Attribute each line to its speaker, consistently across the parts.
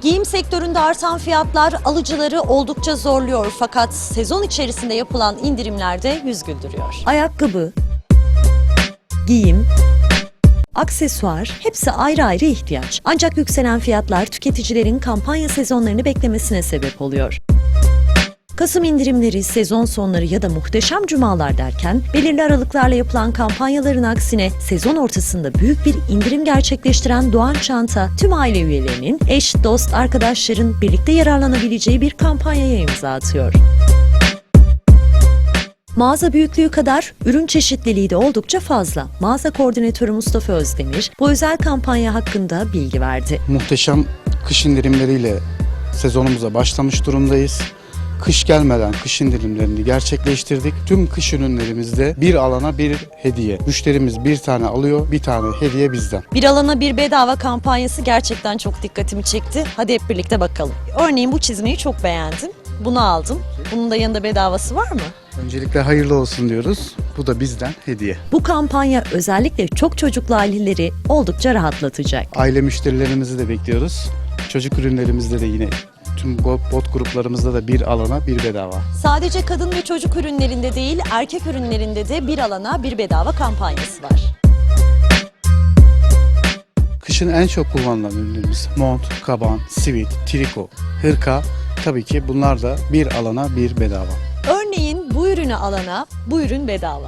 Speaker 1: Giyim sektöründe artan fiyatlar alıcıları oldukça zorluyor fakat sezon içerisinde yapılan indirimler de yüz güldürüyor.
Speaker 2: Ayakkabı, giyim, aksesuar hepsi ayrı ayrı ihtiyaç. Ancak yükselen fiyatlar tüketicilerin kampanya sezonlarını beklemesine sebep oluyor. Kasım indirimleri, sezon sonları ya da muhteşem cumalar derken belirli aralıklarla yapılan kampanyaların aksine sezon ortasında büyük bir indirim gerçekleştiren Doğan Çanta tüm aile üyelerinin, eş, dost, arkadaşların birlikte yararlanabileceği bir kampanyaya imza atıyor. Mağaza büyüklüğü kadar ürün çeşitliliği de oldukça fazla. Mağaza koordinatörü Mustafa Özdemir bu özel kampanya hakkında bilgi verdi.
Speaker 3: Muhteşem kış indirimleriyle sezonumuza başlamış durumdayız. Kış gelmeden kış indirimlerini gerçekleştirdik. Tüm kış ürünlerimizde bir alana bir hediye. Müşterimiz bir tane alıyor, bir tane hediye bizden.
Speaker 1: Bir alana bir bedava kampanyası gerçekten çok dikkatimi çekti. Hadi hep birlikte bakalım. Örneğin bu çizmeyi çok beğendim. Bunu aldım. Bunun da yanında bedavası var mı?
Speaker 3: Öncelikle hayırlı olsun diyoruz. Bu da bizden hediye.
Speaker 2: Bu kampanya özellikle çok çocuklu aileleri oldukça rahatlatacak.
Speaker 3: Aile müşterilerimizi de bekliyoruz. Çocuk ürünlerimizde de yine tüm bot gruplarımızda da bir alana bir bedava.
Speaker 1: Sadece kadın ve çocuk ürünlerinde değil, erkek ürünlerinde de bir alana bir bedava kampanyası var.
Speaker 3: Kışın en çok kullanılan ürünlerimiz mont, kaban, sivit, triko, hırka. Tabii ki bunlar da bir alana bir bedava.
Speaker 1: Örneğin bu ürünü alana bu ürün bedava.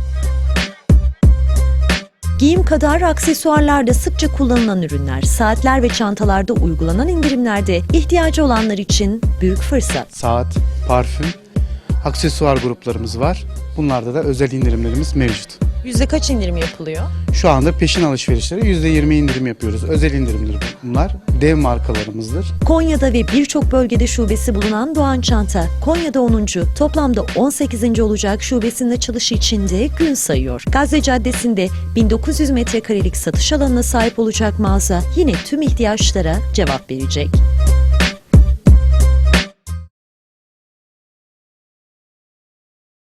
Speaker 2: Giyim kadar aksesuarlarda sıkça kullanılan ürünler, saatler ve çantalarda uygulanan indirimlerde ihtiyacı olanlar için büyük fırsat.
Speaker 3: Saat, parfüm, aksesuar gruplarımız var. Bunlarda da özel indirimlerimiz mevcut.
Speaker 1: Yüzde kaç indirim yapılıyor?
Speaker 3: Şu anda peşin alışverişlere %20 indirim yapıyoruz. Özel indirimler bunlar. Dev markalarımızdır.
Speaker 2: Konya'da ve birçok bölgede şubesi bulunan Doğan Çanta, Konya'da 10. toplamda 18. olacak şubesinin açılışı için de gün sayıyor. Gazze Caddesi'nde 1900 metrekarelik satış alanına sahip olacak mağaza yine tüm ihtiyaçlara cevap verecek.